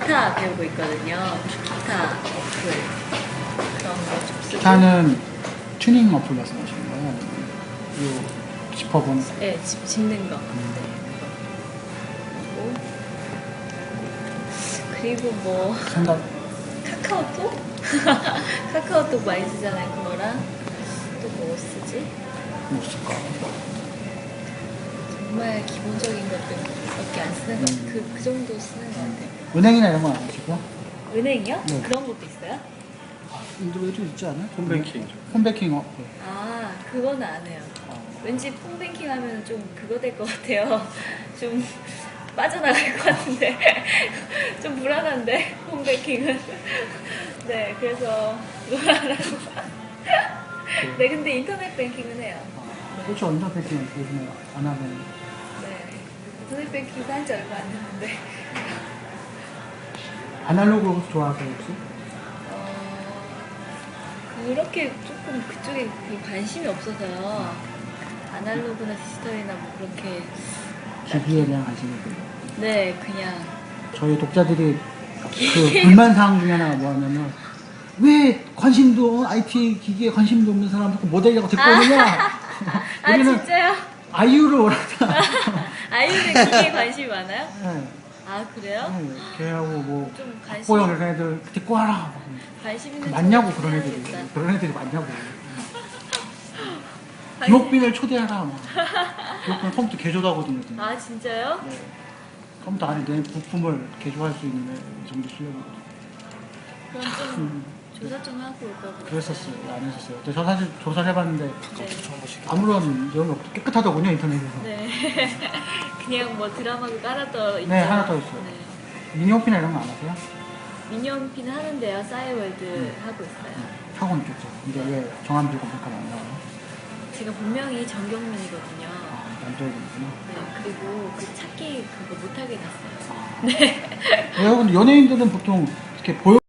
기타 배우고 있거든요. 기타 어플 그런 거 좀 쓰고. 기타는 튜닝 어플 말씀하시는 거예요? 아니면 요 짚어보는 거? 네, 짚는 거. 네, 그거. 그리고 뭐 생각 카카오톡? 카카오톡 많이 쓰잖아요. 그거랑 또 뭐 쓰지? 뭐 쓸까? 정말 기본적인 것들밖에 안 쓰는 것 그 정도 쓰는 것 같아요. 은행이나 이런 건 안 하시고? 은행이요? 네. 그런 것도 있어요? 인도에도 있지 않아요? 홈뱅킹. 홈뱅킹 어플. 아, 그거는 안 해요. 어. 왠지 폰뱅킹 하면 좀 그거 될 것 같아요. 좀 빠져나갈 것 같은데. 좀 불안한데, 폰뱅킹은. 네, 그래서 그거 안 하고. 네, 근데 인터넷 뱅킹은 해요. 그렇죠. 언더 뱅킹은 요즘에 안 하면. 네. 인터넷 뱅킹도 한 지 얼마 안 됐는데. 아날로그 좋아하세요, 혹시? 그렇게 조금 그쪽에 그 관심이 없어서요. 아날로그나 디지털이나 뭐 그렇게. 기기에 대한 관심이 있고요. 네, 그냥. 저희 독자들이 그 불만사항 중에 하나가 뭐냐면 왜 관심도 IT 기기에 관심도 없는 사람 자꾸 모델이라고 데리고 오느냐. 아, 진짜요? 아이유를 원한다. 아이유는 기계에 관심이 많아요? 네. 아, 그래요? 네. 걔하고 뭐 좀 관심, 박보영 이런 애들 데리고 와라. 관심 있는 많냐고 친구 그런 애들이. 해야겠다. 그런 애들이 많냐고. 관심- 김옥빈을 초대하라. 막. 김옥빈 컴퓨터 개조도 하거든요. 아, 진짜요? 네. 컴퓨터 안에 내 부품을 개조할 수 있는 애 정도 실력이거든요. 그럼 좀 조사 좀 하고 올까 보다. 그랬었어요. 안 했었어요. 근데 저 사실 조사를 해봤는데 네. 아무런 내용이 없고 깨끗하더군요, 인터넷에서. 네. 그냥 뭐 드라마도 깔아떠 있죠. 네, 하나 더 있어요. 네. 미니홈피나 이런 거 안 하세요? 미니홈피는 하는데요. 싸이월드 하고 있어요. 하고는 있겠죠. 근데 왜 정한비 검색하면 안 나와요? 제가 본명이 정경민이거든요. 아, 남자애들이구나. 네. 그리고 그 찾기 그거 못하게 됐어요. 아. 네. 여러분, 연예인들은 보통 이렇게 보여